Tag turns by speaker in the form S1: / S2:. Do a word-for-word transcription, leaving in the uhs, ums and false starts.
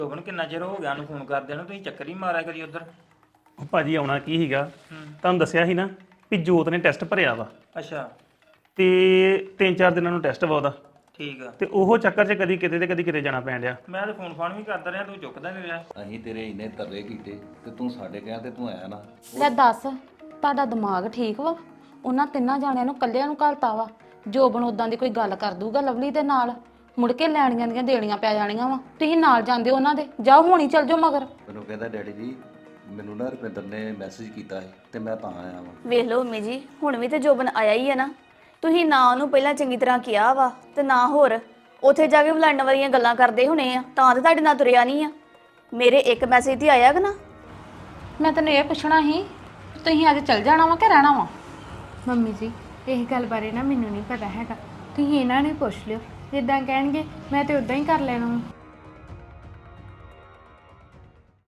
S1: ਜੋਬਨ ਕਿੰਨਾ ਚਿਰ ਹੋ ਗਿਆ ਨੂੰ ਫੋਨ ਕਰਦੇ ਨੂੰ ਤੁਸੀਂ ਚੱਕਰ ਹੀ ਮਾਰਿਆ ਕਰੀ ਉਧਰ।
S2: ਉਹ ਭਾਜੀ ਆਉਣਾ ਕੀ ਸੀਗਾ ਤੁਹਾਨੂੰ ਦੱਸਿਆ ਸੀ ਨਾ ਵੀ ਜੋਤ ਨੇ ਟੈਸਟ ਭਰਿਆ ਵਾ
S1: ਅੱਛਾ
S2: ਤੇ ਤਿੰਨ ਚਾਰ ਦਿਨਾਂ ਨੂੰ ਟੈਸਟ ਵਾ ਉਹਦਾ
S1: ਠੀਕ ਆ।
S2: ਤੇ ਉਹ ਚੱਕਰ 'ਚ ਕਦੀ ਕਿਤੇ ਤੇ ਕਦੀ ਕਿਤੇ ਜਾਣਾ ਪੈਣ ਡਿਆ।
S1: ਮੈਂ ਤਾਂ ਫੋਨ ਫਾਨ ਵੀ ਕਰਦਾ ਰਿਹਾ ਤੂੰ ਚੁੱਕਦਾ ਨਹੀਂ ਰਿਹਾ।
S3: ਅਸੀਂ ਤੇਰੇ ਇੰਨੇ ਤਰਲੇ ਕੀਤੇ ਤੇ ਤੂੰ ਸਾਡੇ ਕਹਿਣ ਤੇ ਤੂੰ ਆਇਆ ਨਾ।
S4: ਲੈ ਦੱਸ ਤੁਹਾਡਾ ਦਿਮਾਗ ਠੀਕ ਵਾ? ਉਹਨਾਂ ਤਿੰਨਾਂ ਜਾਣਿਆਂ ਨੂੰ ਕੱਲਿਆਂ ਨੂੰ ਘਲਤਾ ਵਾ। ਜੋਬਨ ਉਦਾਂ ਦੀ ਕੋਈ ਗੱਲ ਕਰ ਦੂਗਾ ਲਵਲੀ ਦੇ ਨਾਲ, ਮੁੜ ਕੇ ਲੈਣੀਆਂ ਦੀਆਂ ਦੇਣੀਆਂ ਪੈ ਜਾਣੀਆਂ ਵਾ। ਤੁਸੀਂ ਨਾਲ ਜਾਂਦੇ ਹੋ ਉਹਨਾਂ ਦੇ, ਜਾਓ ਹੁਣੀ ਚੱਲ ਜਾਓ ਮਗਰ।
S3: ਮੈਨੂੰ ਕਹਿੰਦਾ ਡੈਡੀ ਜੀ ਮੈਨੂੰ ਨਾ ਰੁਪਿੰਦਰ ਨੇ ਮੈਸੇਜ ਕੀਤਾ ਹੈ ਤੇ ਮੈਂ ਤਾਂ ਆਇਆ ਵਾਂ।
S5: ਵੇਖ ਲਓ ਮੰਮੀ ਜੀ, ਹੁਣ ਵੀ ਤੇ ਜੋਬਨ ਆਇਆ ਹੀ ਹੈ ਨਾ। ਤੁਸੀਂ ਨਾ ਉਹਨੂੰ ਪਹਿਲਾਂ ਚੰਗੀ ਤਰ੍ਹਾਂ ਕਿਹਾ ਵਾ ਤੇ ਨਾ ਹੋਰ ਉੱਥੇ ਜਾ ਕੇ ਬੁਲਾਉਣ ਵਾਲੀਆਂ ਗੱਲਾਂ ਕਰਦੇ ਹੋਣੇ ਆ, ਤਾਂ ਤੇ ਤੁਹਾਡੇ ਨਾਲ ਤੁਰਿਆ ਨਹੀਂ ਆ। ਮੇਰੇ ਇੱਕ ਮੈਸੇਜ ਤੇ ਆਇਆ ਕਿ ਨਾ।
S4: ਮੈਂ ਤੈਨੂੰ ਇਹ ਪੁੱਛਣਾ ਸੀ ਤੁਸੀਂ ਅੱਜ ਚੱਲ ਜਾਣਾ ਵਾ ਕਿ ਰਹਿਣਾ ਵਾ?
S6: ਮੰਮੀ ਜੀ ਇਹ ਗੱਲ ਬਾਰੇ ਨਾ ਮੈਨੂੰ ਨਹੀਂ ਪਤਾ ਹੈਗਾ, ਤੁਸੀਂ ਇਹਨਾਂ ਨੂੰ ਹੀ ਪੁੱਛ ਲਿਓ। ਜਿੱਦਾਂ ਕਹਿਣਗੇ ਮੈਂ ਤੇ ਉਦਾਂ ਹੀ ਕਰ ਲੈਣਾ ਵਾ।